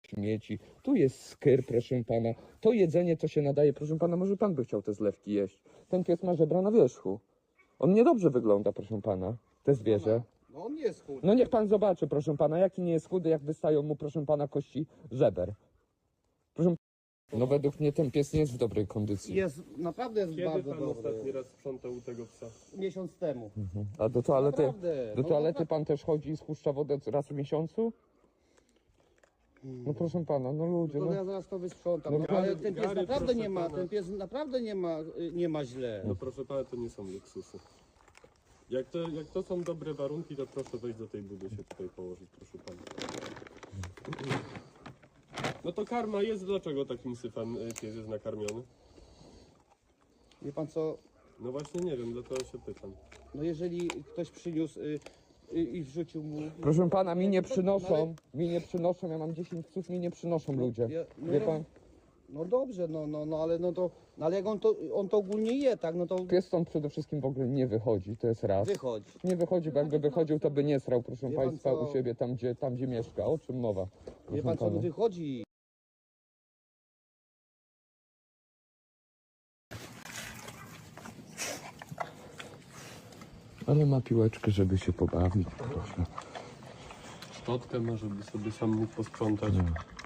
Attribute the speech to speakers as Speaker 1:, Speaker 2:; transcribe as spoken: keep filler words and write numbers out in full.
Speaker 1: śmieci, tu jest skyr, proszę pana, to jedzenie, co się nadaje, proszę pana, może pan by chciał te zlewki jeść. Ten pies ma żebra na wierzchu. On niedobrze wygląda, proszę pana, te zwierzę.
Speaker 2: No on nie jest chudy.
Speaker 1: No niech pan zobaczy, proszę pana, jaki nie jest chudy, jak wystają mu, proszę pana, kości żeber. Proszę no według mnie ten pies nie jest w dobrej kondycji.
Speaker 2: Jest, naprawdę jest
Speaker 3: Kiedy
Speaker 2: bardzo
Speaker 3: pan
Speaker 2: dobry.
Speaker 3: ostatni raz sprzątał u tego psa?
Speaker 2: Miesiąc temu.
Speaker 1: A do toalety,
Speaker 2: Naprawdę.
Speaker 1: do
Speaker 2: No
Speaker 1: toalety
Speaker 2: naprawdę.
Speaker 1: pan też chodzi i spuszcza wodę raz w miesiącu? No proszę pana, no ludzie,
Speaker 2: To
Speaker 1: no.
Speaker 2: ja zaraz to wysprzątam.
Speaker 1: No
Speaker 2: No,
Speaker 1: gary-
Speaker 2: ale ten pies
Speaker 3: gary,
Speaker 2: naprawdę
Speaker 3: proszę
Speaker 2: nie ma,
Speaker 3: pana.
Speaker 2: ten pies naprawdę nie ma, y, nie ma źle.
Speaker 3: No proszę pana, to nie są luksusy. Jak to, jak to są dobre warunki, to proszę wejść do tej budy się tutaj położyć, proszę pana. No to karma jest, dlaczego takim syfem y, pies jest nakarmiony?
Speaker 2: Wie pan co,
Speaker 3: No właśnie nie wiem, dlatego się pytam.
Speaker 2: no jeżeli ktoś przyniósł y, y, i wrzucił mu...
Speaker 1: Proszę pana, mi nie
Speaker 2: No,
Speaker 1: przynoszą, mi nie przynoszą, ja mam dziesięć psów, mi nie przynoszą ludzie.
Speaker 2: Ja- no,
Speaker 1: Wie pan,
Speaker 2: No dobrze, no, no, no ale no to, no, ale jak on to, on to ogólnie je, tak, no to
Speaker 1: pies stąd przede wszystkim w ogóle nie wychodzi, to jest raz.
Speaker 2: wychodzi.
Speaker 1: Nie wychodzi, bo jakby wychodził, to by nie srał, proszę
Speaker 2: Wie pan
Speaker 1: państwa,
Speaker 2: co?
Speaker 1: u siebie, tam gdzie, tam gdzie mieszka. O czym mowa?
Speaker 2: Wie
Speaker 1: Proszę
Speaker 2: pan co,
Speaker 1: pana.
Speaker 2: wychodzi.
Speaker 1: Ale ma piłeczkę, żeby się pobawić, proszę.
Speaker 3: Szczotkę ma, żeby sobie sam mógł posprzątać.
Speaker 1: No.